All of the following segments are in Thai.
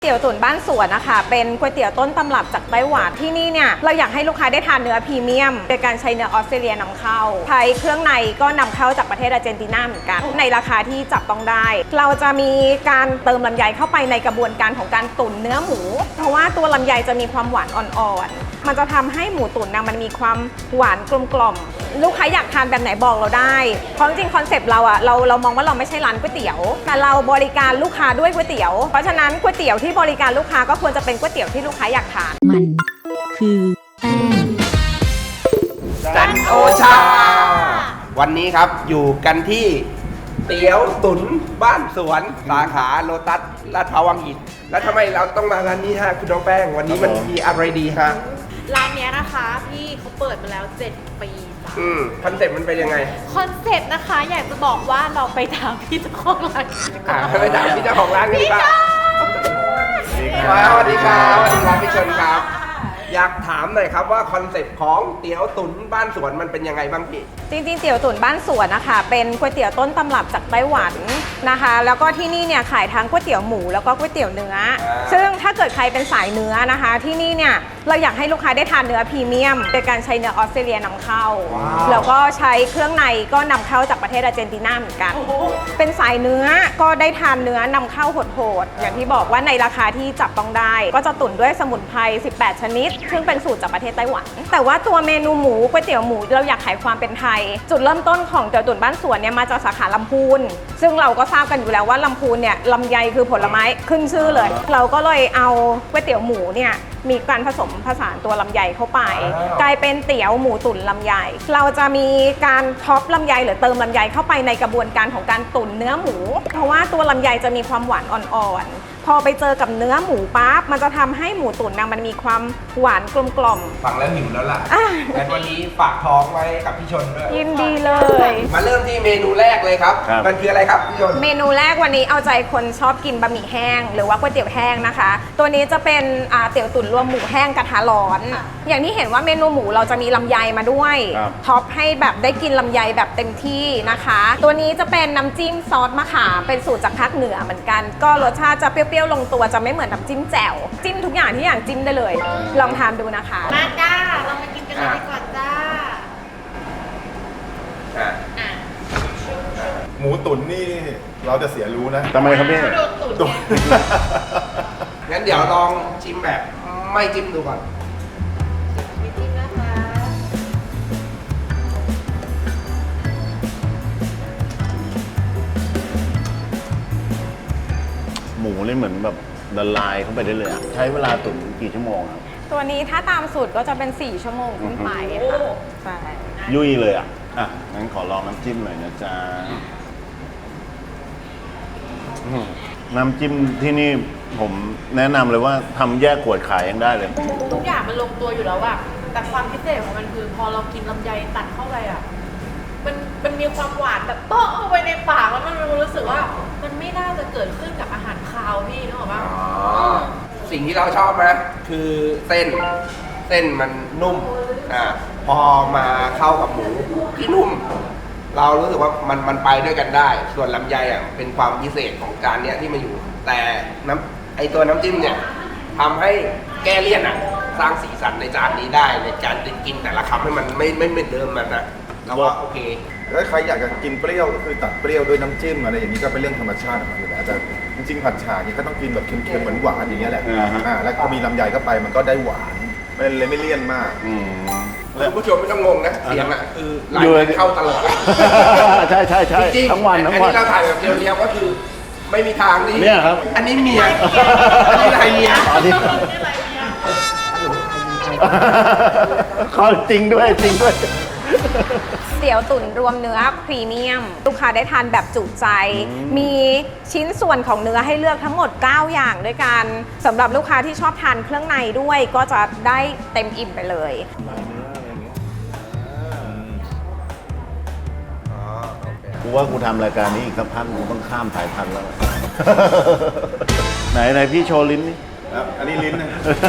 เตี๋ยวตุ๋นบ้านสวนนะคะเป็นก๋วยเตี๋ยวต้นตำรับจากไต้หวันที่นี่เนี่ยเราอยากให้ลูกค้าได้ทานเนื้อพรีเมียมโดยการใช้เนื้อออสเตรเลียนำเข้าใช้เครื่องในก็นำเข้าจากประเทศอาร์เจนตินาเหมือนกันในราคาที่จับต้องได้เราจะมีการเติมลำไยเข้าไปในกระบวนการของการตุ๋นเนื้อหมูเพราะว่าตัวลำไยจะมีความหวานอ่อนๆมันจะทำให้หมูตุ๋นนะมันมีความหวานกลมกล่อมลูกค้าอยากทานแบบไหนบอกเราได้เพราะจริงๆคอนเซปต์เราอะเรามองว่าเราไม่ใช่ร้านก๋วยเตี๋ยวแต่เราบริการลูกค้าด้วยก๋วยเตี๋ยวเพราะฉะนั้นก๋วยเตี๋ยวที่บริการลูกค้าก็ควรจะเป็นก๋วยเตี๋ยวที่ลูกค้าอยากทานมันคือแป้งจันโอชาวันนี้ครับอยู่กันที่เตี๋ยวตุ๋นบ้านสวนสาขาโลตัสลาดพร้าววังหินแล้วทำไมเราต้องมาร้านนี้ฮะคุณน้องแป้งวันนี้มันมีอะไรดีฮะร้านนี้นะคะพี่เขาเปิดมาแล้ว7 ปีคอนเซ็ปต์มันเป็นยังไงคอนเซ็ปต์นะคะอยากจะบอกว่าเราไปถามพี่เจ้าของร้านไปถามพี่เจ้าของร้านกันดีกว่าสวัสดีครับสวัสดีครับพี่ชนครับอยากถามหน่อยครับว่าคอนเซ็ปต์ของเตี๋ยวตุ๋นบ้านสวนมันเป็นยังไงบ้างพี่จริงๆเตี๋ยวตุ๋นบ้านสวนนะคะเป็นก๋วยเตี๋ยวต้นตำรับจากไต้หวันนะคะแล้วก็ที่นี่เนี่ยขายทั้งก๋วยเตี๋ยวหมูแล้วก็ก๋วยเตี๋ยวเนื้อซึ่งถ้าเกิดใครเป็นสายเนื้อนะคะที่นี่เนี่ยเราอยากให้ลูกค้าได้ทานเนื้อพรีเมียมโดยการใช้เนื้อออสเตรเลียนำเข้าแล้วก็ใช้เครื่องในก็นำเข้าจากประเทศอาร์เจนตินาเหมือนกันเป็นสายเนื้อก็ได้ทานเนื้อนำเข้าโหดๆอย่างที่บอกว่าในราคาที่จับต้องได้ก็จะตุ๋นด้วยสมุนไพร18 ชนิดซึ่งเป็นสูตรจากประเทศไต้หวันแต่ว่าตัวเมนูหมูก๋วยเตี๋ยวหมูเราอยากขายความเป็นไทยจุดเริ่มต้นของเตี๋ยวตุ๋นบ้านสวนเนี่ยมาจากสาขาลำพูนซึ่งเราก็ทราบกันอยู่แล้วว่าลำพูนเนี่ยลำไยคือผลไม้ขึ้นชื่อเลยเราก็เลยเอาก๋วยเตี๋ยวหมูเนี่ยมีการผสมผสานตัวลำไยเข้าไปกลายเป็นเตี๋ยวหมูตุ๋นลำไยเราจะมีการท็อปลำไยหรือเติมลำไยเข้าไปในกระบวนการของการตุ๋นเนื้อหมูเพราะว่าตัวลำไยจะมีความหวานอ่อนๆพอไปเจอกับเนื้อหมูปั๊บมันจะทำให้หมูตุ๋นนะมันมีความหวานกลมกล่อมฟังแล้วหิวแล้วล่ะงั้นวันนี้ฝากท้องไว้กับพี่ชนด้วยยินดีเลยมาเริ่มที่เมนูแรกเลยครับมันคืออะไรครับพี่ชนเมนูแรกวันนี้เอาใจคนชอบกินบะหมี่แห้งหรือว่าก๋วยเตี๋ยวแห้งนะคะตัวนี้จะเป็นเตี๋ยวตุ๋นรวมหมูแห้งกระทะร้อนอย่างที่เห็นว่าเมนูหมูเราจะมีลำไยมาด้วยท็อปให้แบบได้กินลำไยแบบเต็มที่นะคะตัวนี้จะเป็นน้ำจิ้มซอสมะขามเป็นสูตรจากภาคเหนือเหมือนกันก็รสชาติจะเปรี้ยวๆลงตัวจะไม่เหมือนน้ำจิ้มแจ่วจิ้มทุกอย่างที่อย่างจิ้มได้เลยลองทานดูนะคะมาจ้าเรามากินกันเลยดีกว่าจ้าหมูตุ๋นนี่เราจะเสียรู้นะทำไมครับพี่ตุ๋นงั้นเดี๋ยวลองชิมแบบไม่จิ้มดูก่อนไม่จิ้มนะคะหมูนี่เหมือนแบบละลายเข้าไปได้เลยอะใช้เวลาตุ๋นกี่ชั่วโมงครับตัวนี้ถ้าตามสูตรก็จะเป็น4 ชั่วโมงขึ้นไปค่ะใช่ยุ่ยเลยอ่ะงั้นขอลองน้ำจิ้มหน่อยนะจ๊ะน้ำจิ้มที่นี่ผมแนะนำเลยว่าทำแยกขวดขายยังได้เลยทุกอย่างมันลงตัวอยู่แล้วอะแต่ความพิเศษของมันคือพอเรากินลำไยตัดเข้าไปอะมันมีความหวานแบบโป๊ะเอาไปในปากแล้วมันรู้สึกว่ามันไม่น่าจะเกิดขึ้นกับอาหารคาวพี่นึกออกปะสิ่งที่เราชอบนะคือเส้นมันนุ่มพอมาเข้ากับหมูที่นุ่มเรารู้สึกว่ามันไปด้วยกันได้ส่วนลำไยเป็นความพิเศษของจานเนี้ยที่มาอยู่แต่ตัวน้ำจิ้มเนี่ยทำให้แก้เลี่ยนสร้างสีสันในจานนี้ได้ในการกินแต่ละคำให้มันไม่เหมือนเดิมมันนะเราว่าโอเคแล้วใครอยากจะกินเปรี้ยวก็คือตัดเปรี้ยวด้วยน้ำจิ้มอะไรอย่างนี้ก็เป็นเรื่องธรรมชาติของมันอยู่แล้วแต่จริงๆผัดฉ่าเนี่ยก็ต้องกินแบบเค็มๆหวานๆอย่างเงี้ยแหละแล้วพอมีลำไยเข้าไปมันก็ได้หวานเลยไม่เลี่ยนมากคุณผู้ชมไม่ต้องงงนะเสียงคือไหลเข้าตลอดใช่ทั้งวันอันนี้เราถ่ายแบบเรียวๆก็คือไม่มีทางนี่เนี่ยครับอันนี้เมียอันนี้ไรเมียเขาจริงด้วยเตี๋ยวตุ๋นรวมเนื้อพรีเมียมลูกค้าได้ทานแบบจุใจมีชิ้นส่วนของเนื้อให้เลือกทั้งหมด9อย่างด้วยกันสำหรับลูกค้าที่ชอบทานเครื่องในด้วยก็จะได้เต็มอิ่มไปเลยกูว่ากูทำรายการนี้อีกสักพักกูต้องข้ามสายพันธุ์แล้วไหนพี่โชว์ลิ้นนี่อันนี้ลิ้นนะ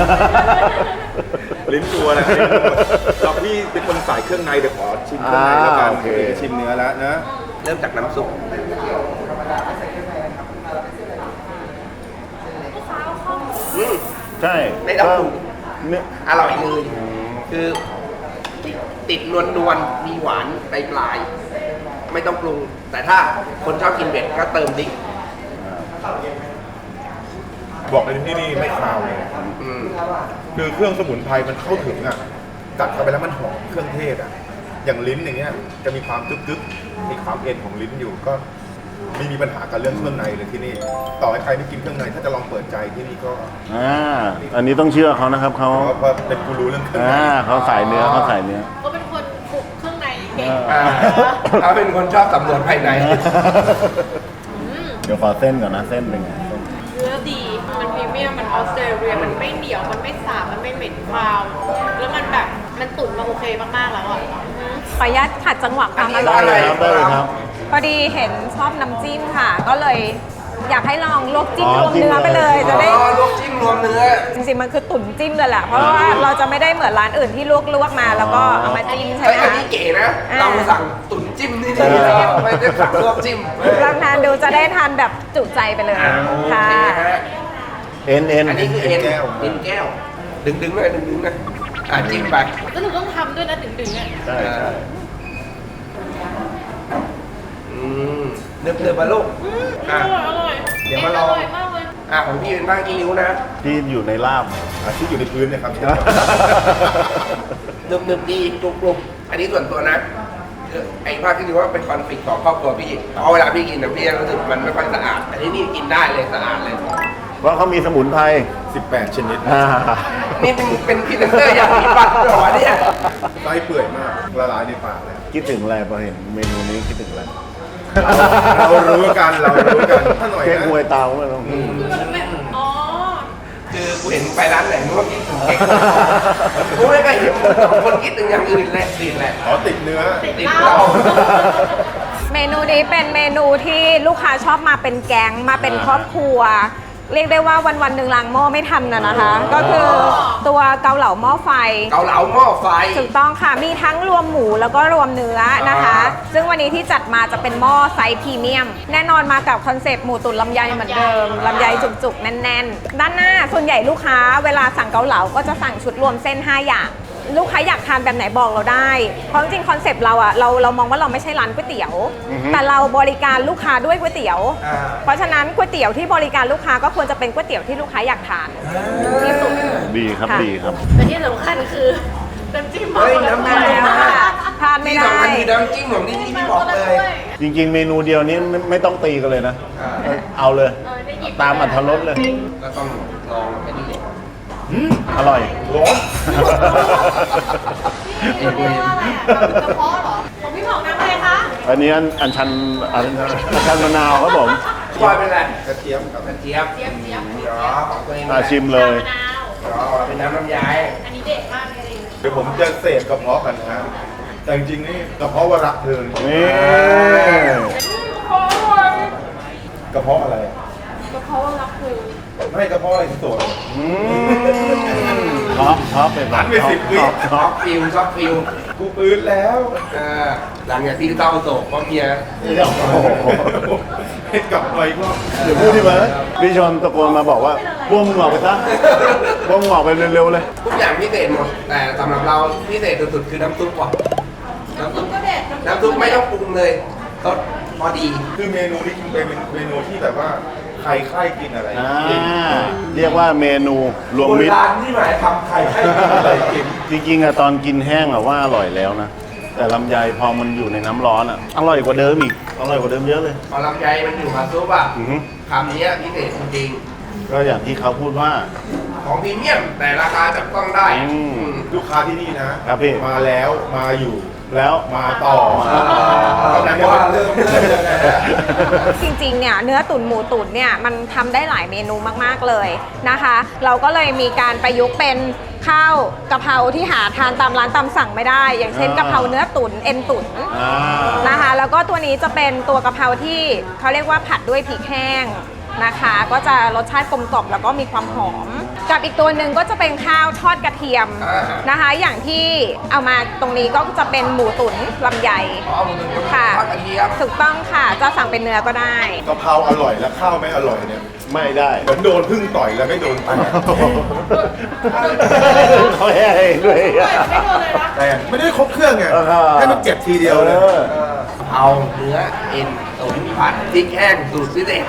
ลิ้นตัวนะเราพี่เป็นคนสายเครื่องในเดี๋ยวขอชิมเครื่องในแล้วกันชิมเนื้อแล้วนะเริ่มจากน้ำซุปลูกค้าเข้าอืมใช่ไม่ต้องปรุงเนี่ยอร่อยเลย คือติดนวลๆมีหวานปลายๆไม่ต้องปรุง แต่ถ้าคนชอบกินเผ็ดก็เติมพริกบอกเลยที่นี่ไม่คาวเลยอืมคือเครื่องสมุนไพรมันเข้าถึงอ่ะกัดเข้าไปแล้วมันหอมเครื่องเทศอ่ะ อย่างลิ้นอย่างเงี้ยจะมีความกึกๆมีความเอ็นของลิ้นอยู่ก็ไม่มีปัญหากับเรื่องเครื่องในเลยที่นี่ ต่อให้ใครไม่กินเครื่องในถ้าจะลองเปิดใจที่นี่ก็อันนี้ต้องเชื่อเขานะครับเขาเพราะเป็นกูรู้เรื่องเครื่องในเขาสายเนื้อเขาสายเนื้อเขาเป็นคนปลุกเครื่องในเก่งอ่าเขาเป็นคนชอบสำรวจภายในเดี๋ยวขอเส้นก่อนนะเส้นเป็นไงเส้นเนื้อดี มันพรีเมียม มันออสเตรเลีย มันไม่เหนียว มันไม่สาบ มันไม่เหม็นคาว แล้วมันแบบ มันตุ๋นมาโอเคมากๆแล้วอ่ะขออนุญาตขัดจังหวะความออันร่นี้อยได้เลยครับได้เลยครับพอดีเห็นชอบน้ำจิ้มค่ะ ก็เลยอยากให้ลองลวกจิ้มอ๋อรวมเนื้อไปเลยจิ้มเลยจะได้อ๋อลวกจิ้มรวมเนื้อจริงๆมันคือตุ๋นจิ้มเลยแหละ เพราะว่าเราจะไม่ได้เหมือนร้านอื่นที่ลวกมาแล้วก็เอามาจิ้มใช่ไหเฮ้มยอันคะนี้เก๋นะอ่าเราสั่งตุ๋นจิ้มนี่ดีนะไม่ได้สั่งลวกจิ้มลองทานดูจะได้ทานแบบจุใจไปเลยโอค่ะเคฮะเอ็นอันนี้คือเอ็นแก้วดึงเลยดึงนะจิ้มไปแล้วหนูต้องทำด้วยนะถึงๆอ่ะใช่ใช่เนื้อมาลูกอร่อยเดี๋ยวมาลองอร่อยมากเลยของพี่เป็นบ้างกี่นิ้วนะที่อยู่ในลาบที่อยู่ในพื้นเนี่ยครับนึบดีกรุบๆอันนี้ส่วนตัวนะไอ้ภาคที่ดูว่าเป็นคอนฟ lict ของครอบครัวพี่เพราะเวลาพี่กินนะพี่รู้สึกมันไม่ค่อยสะอาด อันนี้นี่กินได้เลยสะอาดเลยเพราะเขามีสมุนไพร 18 ชนิดนี่เป็นพรีเซนเตอร์อย่างนี้ปัดเหรอเนี่ยไส้เปื่อยมากละลายในปากเลยคิดถึงอะไรพอเห็นเมนูนี้คิดถึงอะไรเรารู้กันถ้าหน่อยเค้กนะหวยเตาไม่ต้องคือมันแบบอ๋อคือกูเห็นไปร้านไหนมึงก็คิดถึงเค้กกูไม่เคยเห็นคนคิดถึงอย่างอื่นเลยสิแหละขอติดเนื้อติดเราเมนูนี้เป็นเมนูที่ลูกค้าชอบมาเป็นแก๊งมาเป็นครอบครัว เรียกได้ว่าวันๆหนึ่งล้างหม้อไม่ทันนะคะ ก็คือตัวเกาเหลาหม้อไฟเกาเหลาหม้อไฟถูกต้องค่ะ มีทั้งรวมหมูแล้วก็รวมเนื้อนะคะ ซึ่งวันนี้ที่จัดมาจะเป็นหม้อไซส์พรีเมียม แน่นอนมากับคอนเซปต์หมูตุ๋นลำไยเหมือนเดิม ลำไยจุกๆ แน่นๆ ด้านหน้าส่วนใหญ่ลูกค้าเวลาสั่งเกาเหลาก็จะสั่งชุดรวมเส้น 5 อย่าง ลูกค้าอยากทานแบบไหนบอกเราได้ เพราะจริงๆคอนเซปต์เราอะเรามองว่าเราไม่ใช่ร้านก๋วยเตี๋ยว แต่เราบริการลูกค้าด้วยก๋วยเตี๋ยว เพราะฉะนั้นก๋วยเตี๋ยวที่บริการลูกค้าก็ควรจะเป็นก๋วยเตี๋ยวที่ลูกค้าอยากทานที่สุดดีครับค่ะดีครับแต่ที่สำคัญคือน้ำจิ้มเฮ้ยน้ำจิ้มทานไม่ที่ได้สำคัญคือน้ำจิ้มของที่นี่พี่บอกเลยจริงๆ เมนูเดียวนี้ไม่ต้องตีกันเลยนะ เอาเลย ตามอัธรสเลยก็ต้องลองไปนี่อร่อยร้อนนี่เรียกว่าอะไรอ่ะกระเพาะเหรอ ของพี่หมอกน้ำอะไรคะอันนี้อันชันมะนาวครับผมปล่อยเป็นไรกระเทียมครับกระเจี๊ยบเจี๊ยบเจี๊ยบอ๋อของตัวเองชิมเลยมะนาวอ๋อเป็นน้ำลำไยอันนี้เด็ดมากจริงเดี๋ยวผมจะเสพกระเพาะกันนะ แต่จริงๆนี่กระเพาะวรักเธอนี่กระเพาะอะไรอะๆกระเพาะรักคือไม่กระเพาะอะไรที่ตัวท็อปไปหันไป10 วิชอบฟิลกูปืนแล้วหลังจากที่เศร้าโศกเพราะเมียให้กลับไปก็เดี๋ยวพูดที่มาพี่ชนตะโกนมาบอกว่าบ้วมึงออกไปซะบ้วมึงออกไปเร็วๆเลยทุกอย่างพิเศษหมด แต่สำหรับเราพิเศษสุดๆคือน้ำซุปว่ะน้ำซุปก็เด็ดน้ำซุปไม่ต้องปรุงเลยรสพอดีคือเมนูนี้จริงๆเป็นเมนูที่แบบว่าใครใครกินอะไรกินเรียกว่าเมนูรวมโบมิตรราณที่หมายทำใครให้กินอะไรกินจริงๆอะตอนกินแห้งอะว่าอร่อยแล้วนะ แต่ลำไยพอมันอยู่ในน้ำร้อนอะอร่อยกว่าเดิมอีก อร่อยกว่าเดิมเยอะเลยพอลำไยมันอยู่กับซุปอ่ะอือฮึคำนี้พิเศษจริงก็อย่างที่เขาพูดว่าๆของพรีเมียมแต่ราคาจับต้องได้ลูกค้าที่นี่นะครับพี่มาแล้วมาอยู่แล้วมาต่อเอาแต่ว่าเริ่มยังไงอะจริงๆ เนี่ยเนื้อตุ๋นหมูตุ๋นเนี่ยมันทำได้หลายเมนูมากๆเลยนะคะ เราก็เลยมีการประยุกต์เป็นข้าวกะเพราที่หาทานตามร้านตามสั่งไม่ได้ อย่างเช่นกะเพราเนื้อตุ๋นเอ็นตุ๋นอ่านะคะ แล้วก็ตัวนี้จะเป็นตัวกะเพราที่เขาเรียกว่าผัดด้วยพริกแห้งนะคะ ก็จะรสชาติกลมกล่อมแล้วก็มีความหอม กับอีกตัวหนึ่งก็จะเป็นข้าวทอดกระเทียมนะคะ อย่างที่เอามาตรงนี้ก็จะเป็นหมูตุ๋นลำไยเอาหมูตุ๋นค่ะทอดกระเทียมถูกต้องค่ะจะสั่งเป็นเนื้อก็ได้กะเพราอร่อยและข้าวไม่อร่อยเนี่ยไม่ได้เหมือนโดนพึ่งต่อยแล้วไม่โดนแตกเขาแย่เองด้วยไม่โดนเลยนะแต่ไม่ได้ครบเครื่องไงเออให้มันเจ็บทีเดียวเลยเอาเนื้อเอ็นตุ๋นผัดพริกแห้งสูตรพิเศษ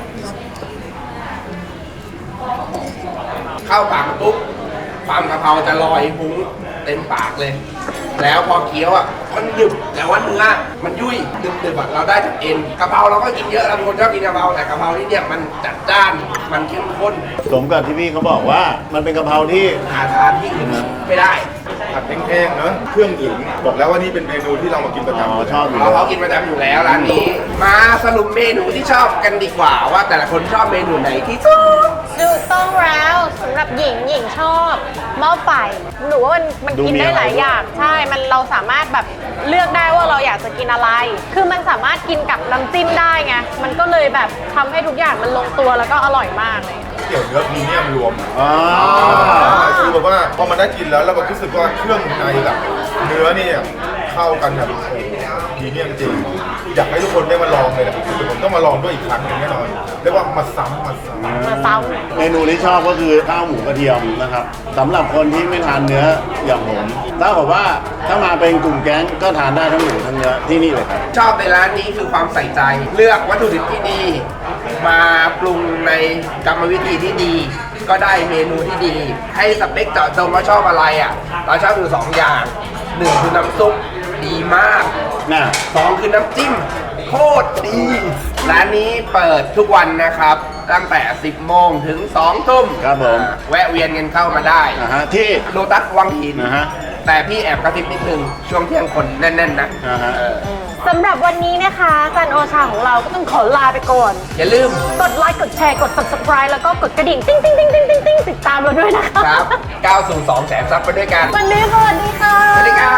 เข้าปากปุ๊บความกะเพราจะลอยฟุ้งเต็มปากเลย แล้วพอเคี้ยวอ่ะมันหนึบแต่ว่าเนื้อมันยุ่ยหนึบๆอ่ะเราได้จากเอ็นกะเพราเราก็กินเยอะเราเป็นคนชอบกินกะเพราแต่กะเพราที่เนี่ยมันจัดจ้านมันเข้มข้นสมกับที่พี่เขาบอกว่ามันเป็นกะเพราที่หาทานที่อื่นไม่ได้ผัดแห้งๆเนอะเครื่องถึงบอกแล้วว่านี่เป็นเมนูที่เรามากินประจำยู่แล้วชอบอยู่เราแล้วเขากินประจำอยู่แล้วร้านนี้ มาสรุปเมนูที่ชอบกันดีกว่าว่าแต่ละคนชอบเมนูไหนที่สุดถูกต้องแล้วสำหรับหญิงชอบหม้อไฟหนูว่ามันดูกินมีได้อะไรหลายอย่างใช่มันเราสามารถแบบเลือกได้ว่าเราอยากจะกินอะไร คือมันสามารถกินกับน้ำจิ้มได้ไงมันก็เลยแบบทำให้ทุกอย่างมันลงตัวแล้วก็อร่อยมากเลยเกี่ยวเนื้อพรีเมียมรวมอ๋อคือแบบว่าพอมันได้กินแล้วเราก็รู้สึกว่าเครื่องในกับเนื้อนี่เข้ากันแบบพรีเมียมจริงอยากให้ทุกคนได้มาลองเลยนะคือผมต้องมาลองด้วยอีกครั้งหนึงแน่นอนเรียกว่ามาซ้ำมาซ้เมนูที่ชอบก็คือข้าวหมูกระเทียมนะครับสำหรับคนที่ไม่ทานเนื้ออย่างผมถ้าบอกว่าถ้ามาเป็นกลุ่มแก๊งก็ทานได้ทั้งหมูทั้งเนื้อที่นี่เลยครับชอบในร้านนี้คือความใส่ใจ เลือกวัตถุดิบที่ดี มาปรุงในกรรมวิธีที่ดี ก็ได้เมนูที่ดี ให้สเปคเจาะจงว่าชอบอะไรอ่ะเราชอบอยู่2อย่าง1คือน้ำซุปดีมากน่ะ 2คือน้ำจิ้มโคตรดี ร้านนี้เปิดทุกวันนะครับ ตั้งแต่ 10 โมงถึง 2 ทุ่มครับผมแวะเวียนกันเข้ามาได้นะฮะที่โลตัสวังหินนะฮะแต่พี่แอบกระซิบนิดนึง ช่วงเที่ยงคนแน่น ๆ นะอ่าฮะเออำสำหรับวันนี้นะคะจันโอชาของเราก็ต้องขอลาไปก่อนอย่าลืมกดไลค์กดแชร์กด subscribe แล้วก็กดกระดิ่งติ๊งติ๊งติ๊งติ๊งติ๊งติ๊งติดตามเราด้วยนะคะครับก้าวสู่2แสนซับไปด้วยกันวันนี้สวัสดีค่ะสวัสดีครับ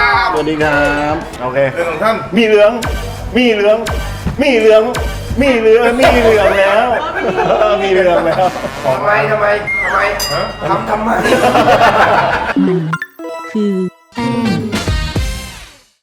สวัสดีครับโอเคเรื่องของท่านมีเหลือง มีเหลือง มีเหลือง มีเหลือง มีเหลืองแล้ว มีเหลืองแล้วทำไมทำไมฮะทำไมคือ